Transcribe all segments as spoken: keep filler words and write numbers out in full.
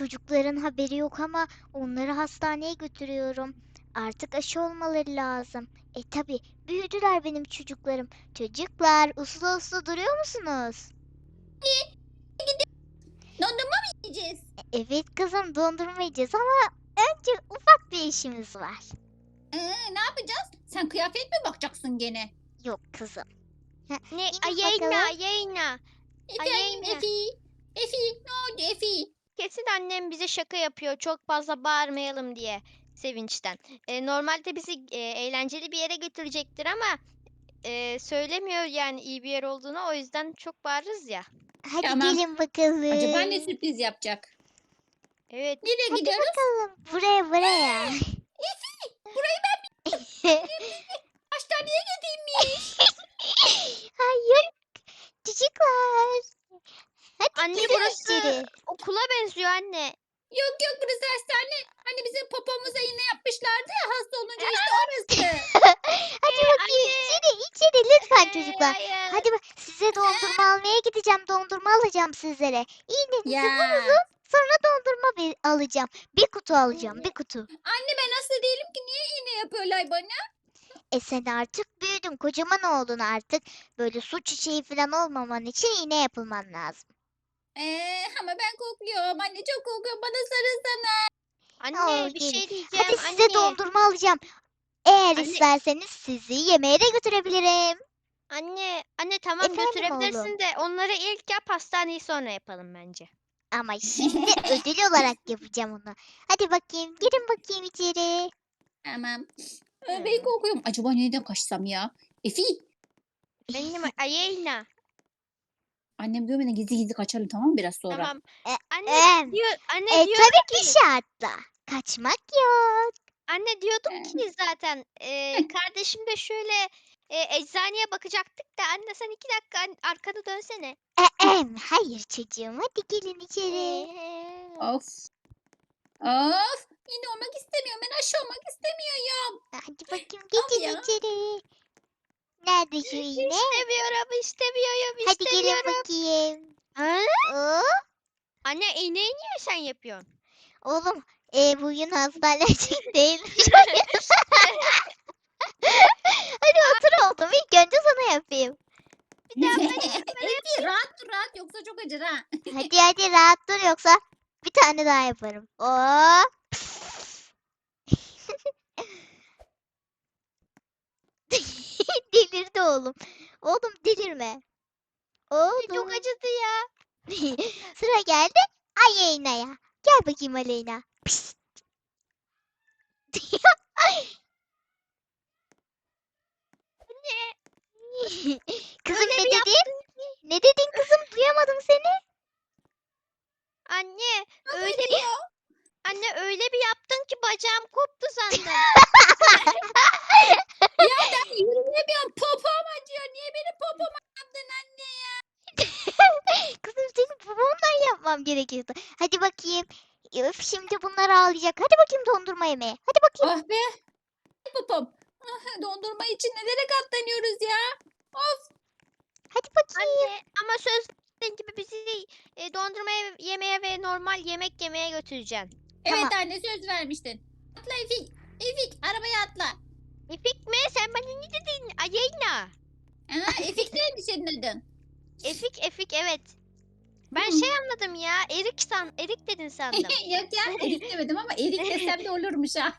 çocukların haberi yok ama onları hastaneye götürüyorum. Artık aşı olmaları lazım. E tabi büyüdüler benim çocuklarım. Çocuklar uslu uslu duruyor musunuz? Dondurma mı yiyeceğiz? E, Evet kızım dondurma yiyeceğiz ama önce ufak bir işimiz var. Ee, ne yapacağız? Sen kıyafet mi bakacaksın gene? Yok kızım. Ha, Ne? inin Ayeyna, bakalım. ayeyna. Efendim Ayeyna. Efi. Efi ne oldu Efi? Kesin annem bize şaka yapıyor. Çok fazla bağırmayalım diye. Sevinçten. E, normalde bizi e, eğlenceli bir yere götürecektir ama e, söylemiyor yani iyi bir yer olduğunu. O yüzden çok bağırırız ya. Hadi Tamam. gelin Acaba ne bakalım. sürpriz yapacak? Evet. Nereye Hadi gidiyoruz? bakalım. Buraya buraya. Efi burayı ben hastaneye götürmüş. Hayır. Çocuklar. Hadi Anne girin burası içeri. okula benziyor anne. Yok yok burası hastane. Hani bizim popomuza iğne yapmışlardı ya hasta olunca işte orası. Hadi Ee, bakayım anne. içeri içeri lütfen Ee, çocuklar. hayır. Hadi bak size dondurma almaya gideceğim. Dondurma alacağım sizlere. İğnenizi Ya. vurun. Sonra dondurma bir alacağım. Bir kutu alacağım. Bir kutu. Anne ben hasta değilim ki niye iğne yapıyorlar bana? E sen artık büyüdün. Kocaman oldun artık. Böyle su çiçeği falan olmaman için iğne yapılman lazım. Ee, ama ben korkuyorum. Anne çok korkuyorum. Bana sarılsana. Anne Oh, bir gelin. şey diyeceğim Hadi size anne. dondurma alacağım. Eğer Anne. isterseniz sizi yemeğe de götürebilirim. Anne, anne tamam Efendim götürebilirsin oğlum. de onları ilk yap hastaneyi sonra yapalım bence. Ama şimdi ödül olarak yapacağım onu. Hadi bakayım, girin bakayım içeri. Tamam. Hı. Ee, ben korkuyorum. Acaba nereden kaçsam ya? Efi. Benim Ayeyna. Annem görmeden gizli gizli kaçalım tamam mı biraz sonra? Tamam. E, Anne em, diyor, anne e, diyorum tabii bir ki, şartla. Kaçmak yok. anne diyordum Ee, ki zaten e, kardeşim de şöyle e, eczaneye bakacaktık da anne sen iki dakika an- arkanı dönsene. E, em, hayır çocuğum, hadi gelin içeri. Ee, of. Of. Yine olmak istemiyorum. Ben aşı olmak istemiyorum. Hadi bakayım, Of geçin ya. içeri. Nerede şu iğne? İstemiyorum, istemiyorum, Hadi gelin istemiyorum. bakayım. Ha? Oo, Anne iğneyi niye sen yapıyorsun? oğlum, e, bugün hastanelik değil. Hadi otur oğlum, ilk önce sana yapayım. Bir daha ben bana Efi rahat dur rahat yoksa çok acır ha. Hadi hadi rahat dur yoksa bir tane daha yaparım. Oo. Delirdi oğlum. Oğlum delirme. çok Oğlum. acıdı ya. Sıra geldi Aleyna'ya. Gel bakayım Aleyna. Pişt. Kızım Öyle ne bir dedin? yaptın ki. Ne dedin kızım? Duyamadım seni. Anne Nasıl öyle ediyor? anne öyle bir yaptın ki bacağım koptu sandım. Ya ben yürüyemiyorum. Popom acıyor. Niye benim popoma yaptın anne ya? Kızım senin babamdan yapmam gerekiyordu. Hadi bakayım. Öf şimdi bunlar ağlayacak. Hadi bakayım dondurma yemeye. Hadi bakayım. Oh be. Popom. Ah, dondurma için nelere katlanıyoruz ya? Of. Hadi bakayım. Anne ama söz verdiğin gibi bizi e, dondurma ye- yemeye ve normal yemek yemeye götüreceksin. Evet Tamam. anne söz vermiştin. Atla Efik. Efik arabaya atla. Efik mi? Sen bana ne dedin? Ayeyna. Aa, Efik neydi senin adın? Efik Efik evet. Ben Hmm. şey anladım ya. Erik san Erik dedin sandım. Yok ya Erik demedim ama Erik desem de olurmuş ha.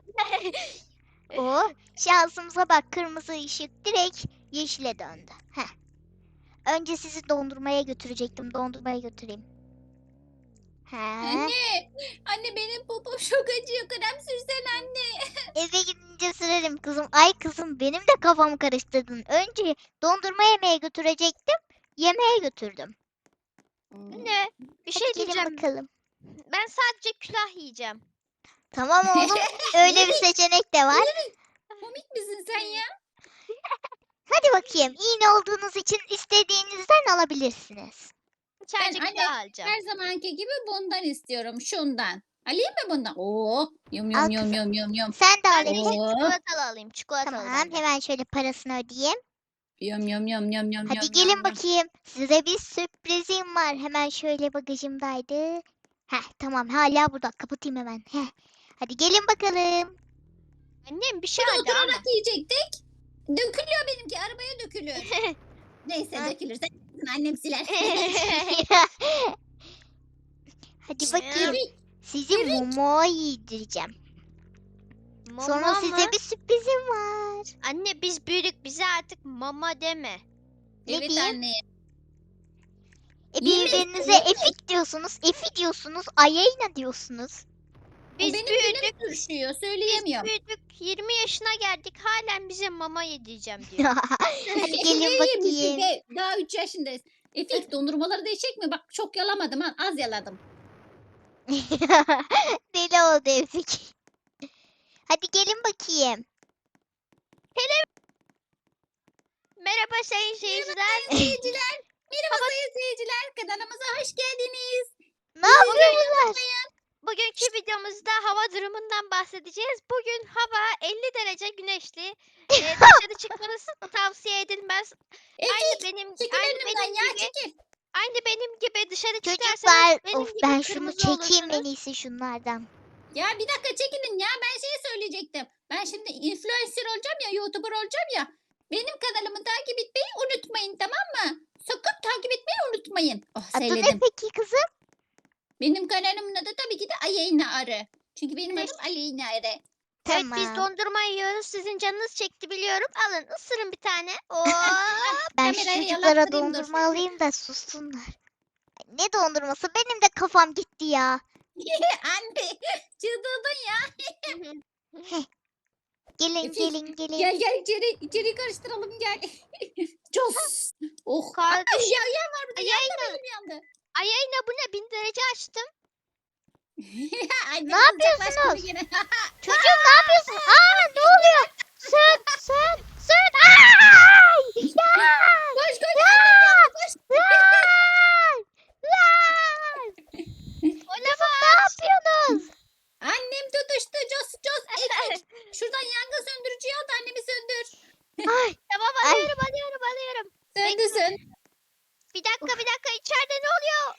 Oh şansımıza bak kırmızı ışık direkt yeşile döndü. Heh. Önce sizi dondurmaya götürecektim. Dondurmaya götüreyim. He. Anne. Anne benim popom çok acıyor. Krem sürsen anne. Eve gidince sürerim kızım. Ay kızım benim de kafamı karıştırdın. Önce dondurma yemeye götürecektim. Yemeğe götürdüm. Anne bir Hadi şey gelin diyeceğim. bakalım. Ben sadece külah yiyeceğim. Tamam oğlum. Öyle bir seçenek de var. Komik misin sen ya? Hadi bakayım. İğne olduğunuz için istediğinizden alabilirsiniz. Sadece anne, külah alacağım. Her zamanki gibi bundan istiyorum. Şundan. Alayım mı bundan? Oo. Yum Al yum yum kızım. yum yum yum. Sen de al Ben de Efe. Oo. çikolatalı alayım. Çikolatalı Tamam ben de. hemen şöyle parasını ödeyeyim. Yum yum yum yum yum Hadi yum gelin yum yum. bakayım. Size bir sürprizim var. Hemen şöyle bagajımdaydı. Heh, tamam hala burada. Kapatayım hemen. Heh. Hadi gelin bakalım. Annem bir şey Burada vardı ama. oturarak yiyecektik. Dökülüyor benimki. Arabaya dökülür. Neyse Ha. dökülürse annem siler. Hadi bakayım. Evet. Sizi Momo yedireceğim. Sonra Mama size mı? bir sürprizim var. Anne biz büyüdük, bize artık mama deme. Ne Evet diyeyim? anne. E, Yemin birbirinize ederim. Efik diyorsunuz, Efi diyorsunuz, Ayayna diyorsunuz. O Biz benim büyüdük, dilim sürüşüyor. biz Söyleyemiyorum. büyüdük. yirmi yaşına geldik, halen bize mama yedireceğim diyor. Hadi gelin Ne yiyeyim biz bakayım. de? Daha üç yaşındayız. Efik dondurmaları değişecek mi? Bak çok yalamadım ha. Az yaladım. Deli oldu Efik. Hadi gelin bakayım. Merhaba sayın seyirciler. Sayın seyirciler. Merhaba sayın seyirciler. Kanalımıza hoş geldiniz. Ne yapıyorlar? Bugünkü videomuzda hava durumundan bahsedeceğiz. Bugün hava elli derece güneşli. Ee, dışarı çıkmanız tavsiye edilmez. Aynı Efik benim çekil aynı önümden benim ya gibi çekil. aynı benim gibi dışarı çıkarsanız Çocuklar, benim of gibi ben şunu kırmızı çekeyim en olursunuz. iyisi şunlardan. Ya bir dakika çekilin ya. Ben şey söyleyecektim. Ben şimdi influencer olacağım ya. YouTuber olacağım ya. Benim kanalımı takip etmeyi unutmayın tamam mı? Sakın takip etmeyi unutmayın. Oh Adı ne söyledim. peki kızım? Benim kanalımın adı tabii ki de Aleyna Arı. Çünkü benim Ne- adım Aleyna Arı. Evet biz Tamam. dondurma yiyoruz. Sizin canınız çekti biliyorum. Alın ısırın bir tane. Oo. Ben şu Kamerayı çocuklara yalattırayım, dur. dondurma alayım da sussunlar. Ay, ne dondurması? Benim de kafam gitti ya. Anne çıldırdın ya. Gelin Efik, gelin gelin. Gel gel içeri, içeri karıştıralım gel. Cos. Oh. Kardeş- Ay, ya ya var bir de yandı Ayayna, benim yandı. Ayayna bu ne? Bin derece açtım. Annem Ne kızacak başka yapıyorsunuz? bir yere. Çocuğum ne yapıyorsun? Aa ne oluyor? Sön sön sön. Ay! Ya! Koş koş Ya! annem yandı koş. Lan! Lan! Kızım ne yapıyorsunuz? Annem tutuştu Cos Cos. Efik. Şuradan yangın söndürücüyü al da annemi söndür. Ay Tamam Ay. alıyorum alıyorum alıyorum. Söndü söndü. Bir dakika bir dakika içeride ne oluyor?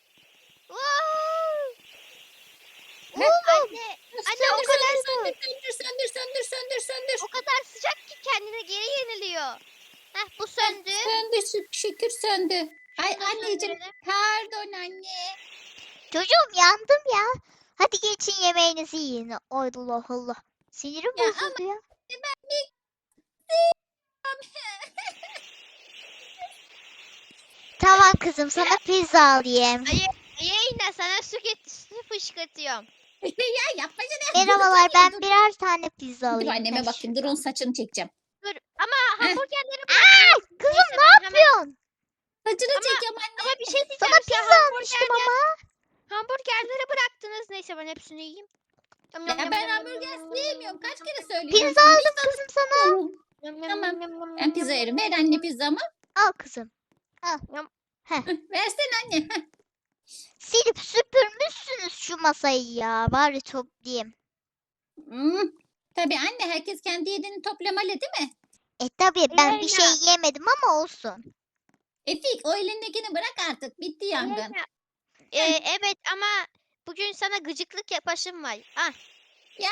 Wow. oğlum. Anne, anne o Söndür kadar söndür söndür söndür söndür söndür söndür. o kadar sıcak ki kendine geri yeniliyor. Heh bu söndü. Söndü şük- şükür söndü. Ay Şunu anneciğim söndürelim. pardon anne. Çocuğum yandım ya. Hadi geçin yemeğinizi yiyin. Allah Allah. Sinirim Ya bozuldu ya. Tamam kızım sana pizza alayım. Yayına sana su, get su fışkırtıyorum. Ya yapma canım. Merhabalar ben birer tane pizza Dur alayım. anneme Heh, bakayım. Dur onun saçını çekeceğim. Dur ama Heh. hamburgerleri Aa, bırak. kızım Neyse, ne ben hemen- yapıyorsun? Saçını Ama- çekeceğim anne. Ama bir şey diyeceğim. Sana Siz pizza almıştım hamburgerler- ama. Hamburgerleri bıraktınız. Neyse ben hepsini yiyeyim. Yum, yum, Ya yum, ben yum, hamburger yum, yum, sevmiyorum. Kaç yum, kere yum, söylüyorum. Pizza aldım kızım sana. Yum, yum, yum, Tamam. yum, yum, Ben yum, pizza yum, yerim. yum, Ver yum, anne yum. pizzamı. Al kızım. Versene anne. Heh. Silip süpürmüşsünüz şu masayı ya. Bari toplayayım. Hmm. Tabii anne herkes kendi yediğini toplamalı değil mi? E tabii ben bir şey Leyla. yemedim ama olsun. Efik o elindekini bırak artık. Bitti yangın. Yayına. Ee, evet ama bugün sana gıcıklık yapasım var. Ah. Ya.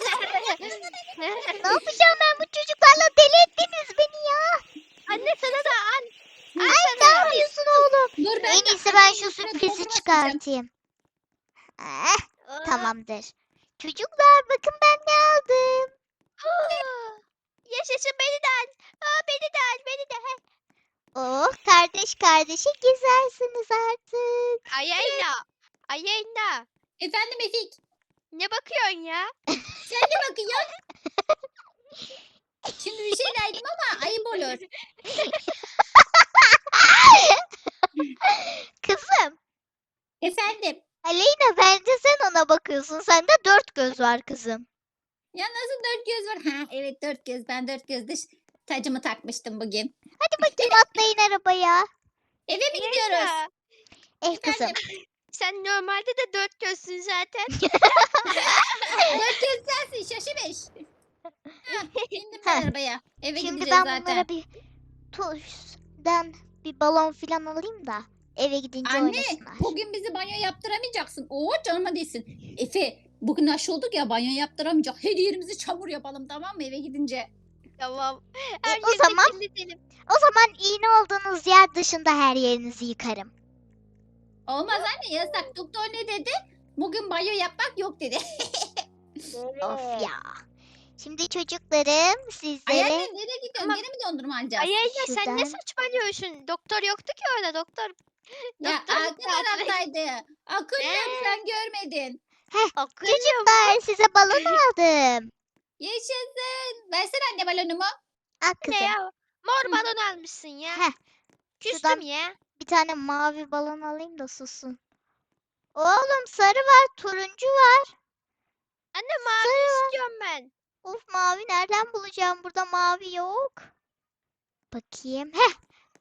Ne yapacağım ben bu çocuklarla, deli ettiniz beni ya. Anne sana da an. An Ay sana ne da. yapıyorsun oğlum? Dur ben En de iyisi ben annemin şu üstüne sürprizi dondurma sileceğim. çıkartayım. Eh, Aa. tamamdır. Çocuklar bakın ben ne aldım. Aa. Yaşasın beni de al. Aa, beni de al beni de. Heh. Oh kardeş kardeşe gezersiniz artık. Ayayna. Ayayna. Efendim Efik. Ne bakıyorsun ya? Sen de bakıyorsun. Şimdi bir şey derdim ama ayıp olur. Kızım Efendim. Aleyna bence sen ona bakıyorsun. Sende dört göz var kızım. Ya nasıl dört göz var? Ha evet dört göz. Ben dört gözlü ş- tacımı takmıştım bugün. Hadi bakayım atlayın arabaya. Eve mi gidiyoruz? Ayayna. Eh kızım. Efendim. Sen normalde de dört gözsün zaten. Dört göz sensin şaşırmış. Ha, bindim ben Heh. arabaya. Eve Şimdi gideceğiz ben zaten. bunlara bir tuşdan bir balon filan alayım da. Eve gidince Anne oynasınlar. bugün bizi banyo yaptıramayacaksın. Oo canıma değsin. Efe bugün aşı olduk ya banyo yaptıramayacak. Her yerimizi çamur yapalım tamam mı eve gidince? Tamam. E, Her o yeri zaman kirletelim. o zaman iğne olduğunuz yer dışında her yerinizi yıkarım. Olmaz anne yasak. Doktor ne dedi? Bugün banyo yapmak yok dedi. Of ya. Şimdi çocuklarım Ay sizlere anne nereye gidiyorsun? Ama- Gene mi dondurma alacağız? Ay Ayla sen şuradan- ne saçmalıyorsun? Doktor yoktu ki orada doktor. Ya Doktor arka taraftaydı. Akın yok Ee? sen görmedin. Akıllı çocuklar size balon aldım. Yaşasın. Versene anne balonumu. Al ne kızım. ya? Mor Hı. balon almışsın ya. Heh, Küstüm şuradan- ya. bir tane mavi balon alayım da sussun. Oğlum sarı var, turuncu var. Anne mavi Sarı var. istiyorum ben. Of mavi nereden bulacağım? Burada mavi yok. Bakayım. Heh,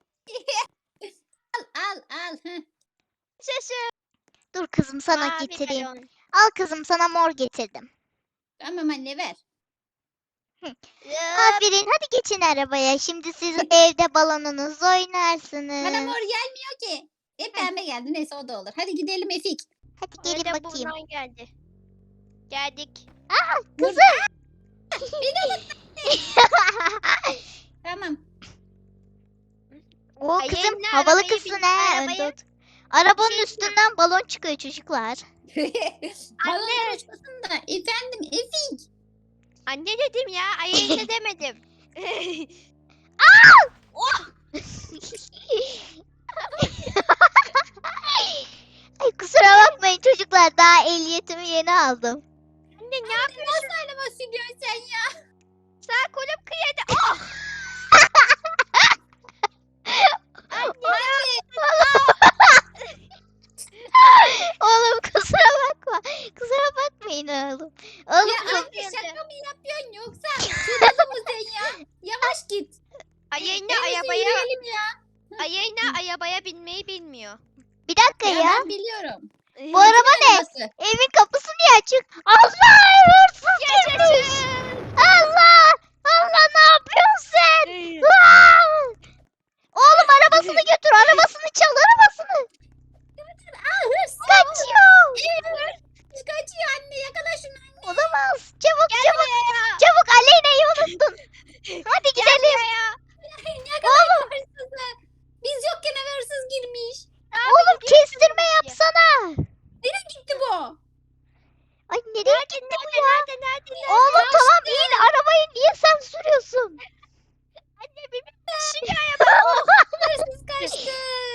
Al al al. Heh. Sesi. dur kızım sana Mavi getireyim. balon. Al kızım sana mor getirdim. Tamam anne ver. Hop. Aferin hadi geçin arabaya. Şimdi siz evde balonunuzu Bana oynarsınız. mor gelmiyor ki. Hep pembe geldi. Neyse o da olur. Hadi gidelim Efik. Hadi gelin Öyle bakayım. bundan geldi. Geldik. Kızım. Tamam. O Ay, kızım yayınla, havalı arabaya kızsın bin, he. arabaya. Önde ot- Arabanın Bir şey üstünden balon çıkıyor çocuklar. Balonlar uçmasın da. Efendim Efik. Anne dedim ya. Ay ne demedim. Ay kusura bakmayın çocuklar daha ehliyetimi yeni aldım. Anne ne yapıyorsun? Nasıl araba sürüyorsun sen ya? Sağ kolum kıyada. Oh! Anne. Oğlum kusura bakma. Kusura bakmayın oğlum. Oğlum Ya kız- anne şaka mı yapıyorsun yoksa sırada mı sen ya? Yavaş git. Ayağına En iyisi arabaya, yürüyelim ya. ayağına arabaya binmeyi bilmiyor. bir dakika Ya, ya. ben biliyorum. Bu araba ne? Arabası. Evin kapısı niye açık? Allah hırsız girmiş. Yaşasın. Allah. Allah ne yapıyorsun sen? Aa! Oğlum arabasını götür. Arabasını çal arabasını. Aa hırsız. Kaçıyor. Hırsız kaçıyor anne yakala şunu anne. Olamaz. Çabuk Gel çabuk. buraya. Çabuk Aleyna'yı unuttun. Hadi Gel gidelim. buraya. Yakalayın hırsızı. Biz yokken eve hırsız girmiş. Oğlum gidiyor kestirme çabuk yapsana. Nereye gitti bu? Ay nereye Nerede, gitti bu nerede, ya? nerede, nerede, nerede? Oğlum tamam in arabayı niye sen sürüyorsun? Anne bir şimdi araba. Oh. Hırsız kaçtı.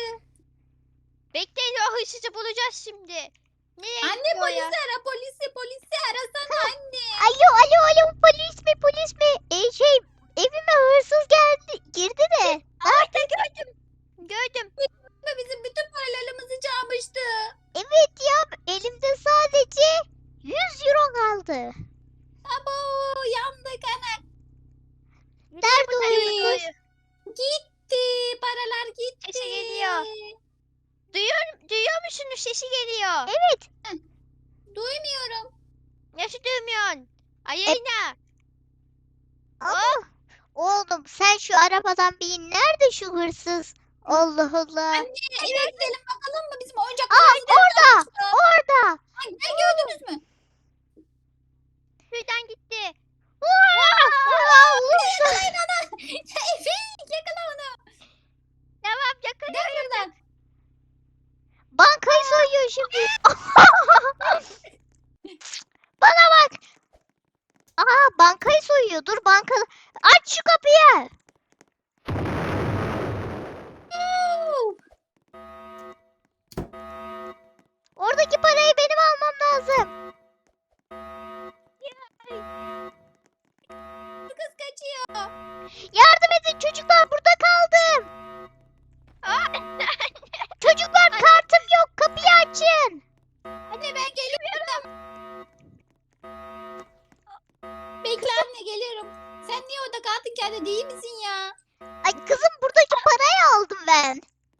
Bekleyin o hırsızı bulacağız şimdi. Nereye Anne gitti o ya? polisi ara polisi polisi arasana anne. Alo alo alo polis mi polis mi? E, şey evime hırsız geldi girdi de. Orada gördüm. Gördüm. Ve bizim bütün paralarımızı çalmıştı. Evet ya elimde sadece yüz euro kaldı. Abo yandık ana. Nerede o Nerede hırsız? Gitti paralar gitti. Sesi geliyor. Duyuyor, duyuyor musunuz? Sesi geliyor. Evet. Duymuyorum. Nasıl duymuyorsun? Ayağına. Ama oğlum sen şu arabadan bir in. Nerede şu hırsız? Allah Allah. Anne eve gidelim bakalım mı bizim Aa oyuncaklarımızı orada orada. Anne gördünüz mü? Şuradan gitti. Aa, hırsız. Yakalayın onu. Efe yakala onu. Tamam Gel yakalıyorum. buradan. Bankayı soyuyor şimdi. Bana bak. Aa bankayı soyuyor. Dur banka. Aç şu kapıyı. Oo. Oradaki parayı benim almam lazım. Kız kaçıyor. Yardım edin çocuklar burada kaldım. Çocuklar kartım yok kapıyı açın. Anne ben geliyorum. Bekle anne geliyorum. Sen niye orada kaldın kendine değil misin ya? Ay kızım buradaki parayı aldım ben.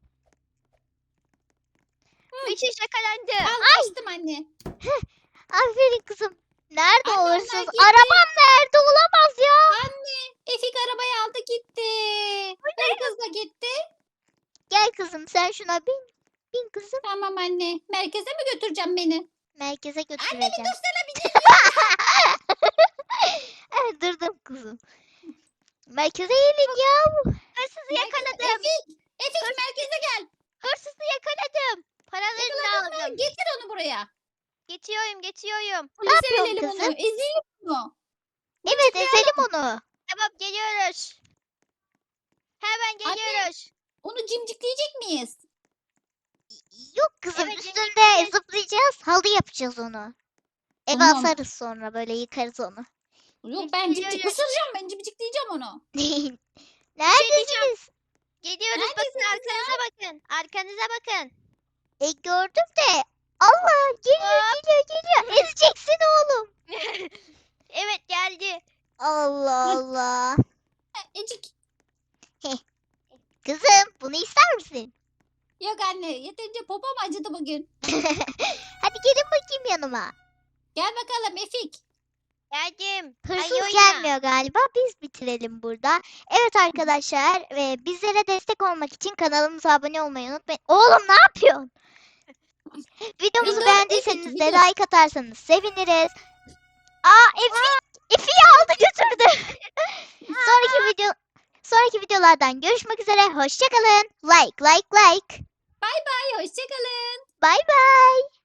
Bir şey yakalandı. Al açtım anne. Aferin kızım. Nerede Anne, o onlar hırsız? gitti. Arabam nerede olamaz ya. Anne Efik arabayı aldı gitti. Kız da gitti. Gel kızım sen şuna bin. Bin kızım. Tamam anne. Merkeze mi götüreceğim beni? Merkeze Anne bir götüreceğim. dursana bir Evet, durdum kızım. Merkeze gelin ya. Hırsızı Merkeze- yakaladım. Efik. Efik merkeze gel. Hırsızı yakaladım. Paralarını Yakaladın mı? aldım. Getir onu buraya. Getiriyorum getiriyorum. Polise yapıyorsun verelim kızım? onu. Ezelim onu. Evet, ezelim onu. Tamam geliyoruz. Hemen Anne. geliyoruz. Onu cimcikleyecek miyiz? Yok kızım, Evet, üstünde yiyeceğiz. zıplayacağız. Halı yapacağız onu. Eve Tamam. asarız sonra, böyle yıkarız onu. Yok ben cimcik Geliyoruz. ısıracağım, ben cimcikleyeceğim onu. Neredesiniz? Geliyoruz bakın Neredesiniz arkanıza bakın. Arkanıza bakın. E, gördüm de. Allah, geliyor Hop. geliyor geliyor. Ezeceksin oğlum. Evet geldi. Allah Allah. Ha, Ecik. Kızım, bunu ister misin? Yok anne yeterince popom acıdı bugün. Hadi gelin bakayım yanıma. Gel bakalım Efik. Geldim. Hırsız Ay, oyna. gelmiyor galiba. Biz bitirelim burada. Evet arkadaşlar, ve bizlere destek olmak için kanalımıza abone olmayı unutmayın. Oğlum ne yapıyorsun? Videomuzu Video, beğendiyseniz evet, de video. like atarsanız seviniriz. Aa, Efi, Efi'yi aldı götürdü. sonraki video sonraki videolardan görüşmek üzere. Hoşça kalın. Like like like. Ay hoşçakalın. Bye bye.